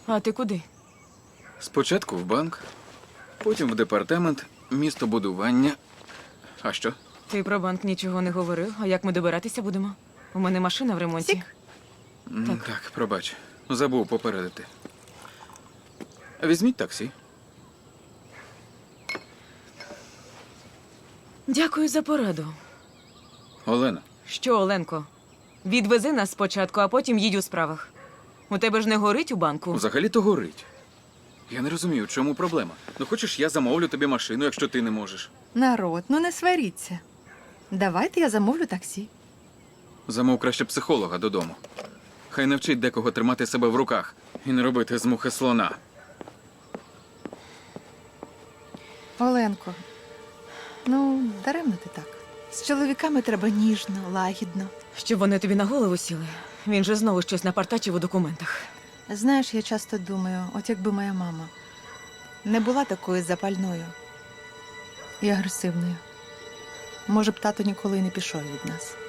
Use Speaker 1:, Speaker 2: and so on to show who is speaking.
Speaker 1: А ти куди?
Speaker 2: Спочатку в банк, потім в департамент містобудування. А що?
Speaker 1: Ти про банк нічого не говорив, а як ми добиратися будемо? У мене машина в ремонті.
Speaker 3: Сік.
Speaker 2: Так, пробач. Забув попередити. Візьміть таксі.
Speaker 1: Дякую за пораду.
Speaker 2: Олена,
Speaker 1: Що, Оленко? Відвези нас спочатку, а потім їдь у справах. У тебе ж не горить у банку?
Speaker 2: взагалі-то горить. Я не розумію, в чому проблема. Ну, хочеш, я замовлю тобі машину, якщо ти не можеш.
Speaker 3: Народ, ну не сваріться. Давайте я замовлю таксі.
Speaker 2: Замов краще психолога додому. Хай навчить декого тримати себе в руках і не робити з мухи слона.
Speaker 3: Оленко, ну, даремно ти так. З чоловіками треба ніжно, лагідно.
Speaker 1: Щоб вони тобі на голову сіли. Він же знову щось напартачив у документах.
Speaker 3: Знаєш, я часто думаю, от якби моя мама не була такою запальною і агресивною, може б тато ніколи й не пішов від нас.